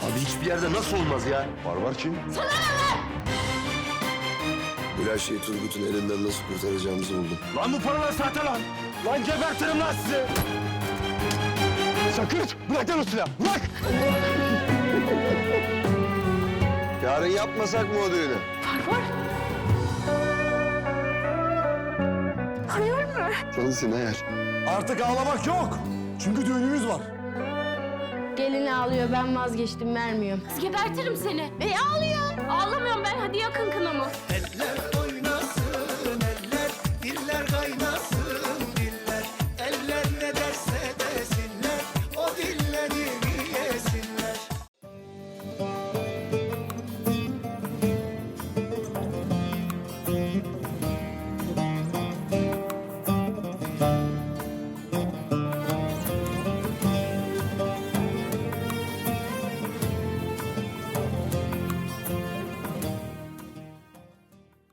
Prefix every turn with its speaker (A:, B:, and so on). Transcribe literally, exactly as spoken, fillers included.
A: Abi hiçbir yerde nasıl olmaz ya?
B: Barbar kim?
C: Sana ne lan?
B: Gülayşe'yi Turgut'un elinden nasıl kurtaracağımızı buldum.
A: Lan bu paralar sahte lan! Lan gebertirim lan sizi! Sakırt! Bırak lan o silahı! Bırak!
B: Yarın yapmasak mı o düğünü?
C: Barbar. Hayır mı?
B: Sensin eğer.
A: Artık ağlamak yok! Çünkü düğünümüz var.
D: Gelin ağlıyor, ben vazgeçtim, vermiyorum.
C: Gebertirim seni. E ağlıyor. Ağlamıyorum ben. Hadi yakın kınamı.
E: Eller